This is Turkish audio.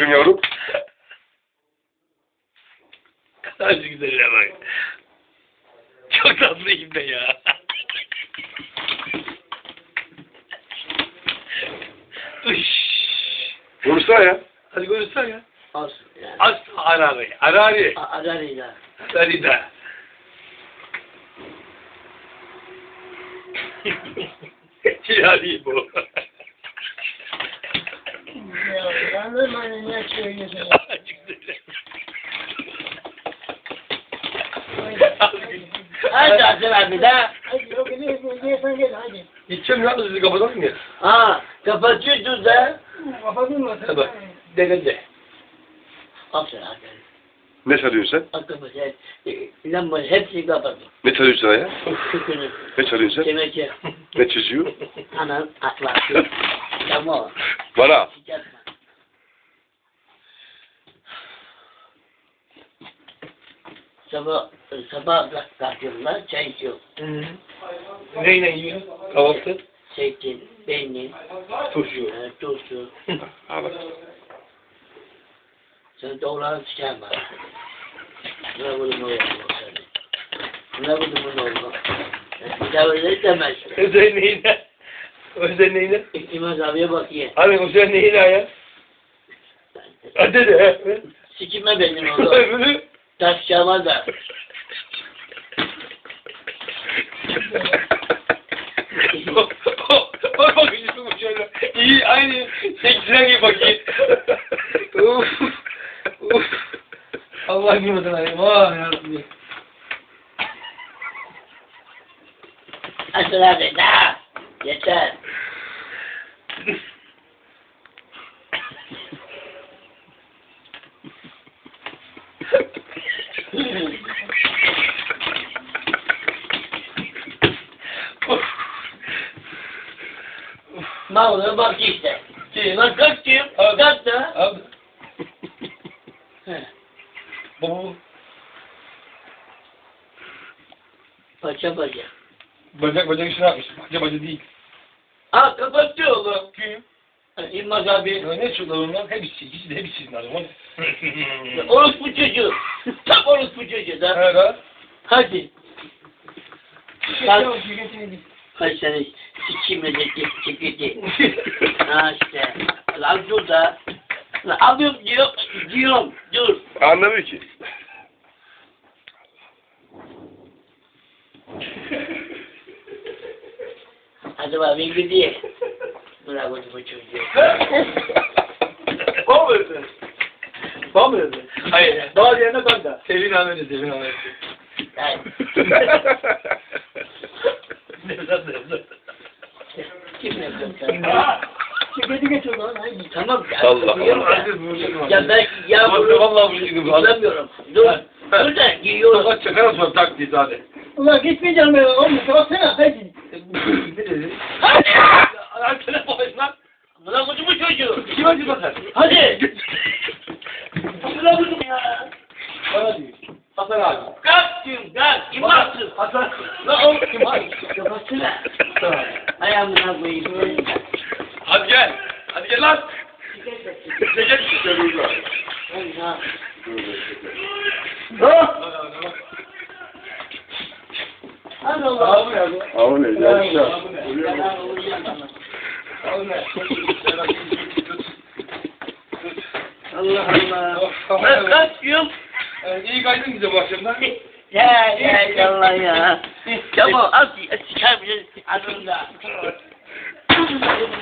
Aferin yavrum. Nasıl güzel ya bak. Çok tatlıyım ben ya. Uş. Konuşsana ya. Hadi konuşsana ya. Olsun yani. As Harari. Harari. Adarıyla. Sarıda. Yani bu. Ya anlamadım ne söylüyorsun ya. Hadi Asım abi de. Hadi o günü hadi. Gideceğim ya sizi kapatalım ya. Ha kapatıyorsun da. Kapadın mı? Tabii. Denedi. Asım abi. Ne çalıyorsun sen? Aklıma lambayı hepsini kapattım. Ne çalıyorsun sen ya? Şükürüm. Ne çalıyorsun sen? Demek Ne çiziyor? anam aklası. Tamam. Bana. Yapma. Sabah kalkıyorlar, çay içiyor. Neyle yiyorsun? Kahvaltı? Zeytin, peynir, Turşu. tuzlu. Ha bak. Sen doğruları çıkarma. Ne buldum o yapma seni. Ne buldum onu olma. Bir daha öyle demez. Özel neyine? Özel neyine? İmaz abiye bak ye. Hani özel neyine ya? Hadi de. Sikime benim oğlum. Öbürü? Taş çalma da. Bak bakayım bu şöyle. İyi aynı seksine gibi bakayım. Uf. Uf. Allah yumurtan ayım. Vay yarabbim. Asıl abi da. Yeter. Mağluba bak işte. Lan kalk diyorum. Kalk da. Abi. Bu Paça paça. bacak işini yapmış. Baca değil. Ha kapattı oğlum. Kim? İlmaz abi. Ya ne çocuklar onlar? Hepsi. İkisi de hepsi lazım. Orospu çocuğu. Tam orospu çocuğu da. Evet. Hadi. Tamam, şirketini Kaç sene sikimle de çekildi. Ha işte. Lan dur da. Lan alıyorum diyorum. Dur. Anlamıyor ki. Hadi bak ben gidiyor. Bırak onu bu çocuğu. Bana mı verdin? Bana mı verdin? Hayır. Daha yerine ben de. Sevin Ahmet'i. Hayır. Nevzat. Kim yapıyor? Ha! Şirketi getir lan. Haydi. Tamam ya. Allah Allah. Ya ben yağmuru Vallahi bu şekilde. bulamıyorum. Dur. Dur da giyiyorum. Fakat çakar sonra tak diye hadi. Ulan gitmeyeceğim ben. Oğlum baksana. Haydi. Ne dedi? Hadi. Lan telefon et lan. Bırak bu çocuğu. Kim acı bakar? Hadi. Bırak bunu ya. Bana diyor. Hasan abi. Kalk diyorum kalk. Kim baksın? Hasan. Lan oğlum kim var? Kapatsana. Ayağımına koyayım. Hadi gel. Hadi gel lan. Çekil. Ha. Hadi oğlum. Ama ne? Yaşa. Allah Allah. Ben kaç diyorum. İyi kaydın bize bu akşamdan. Ya Allah ya. Tamam az çıkar bir adımda.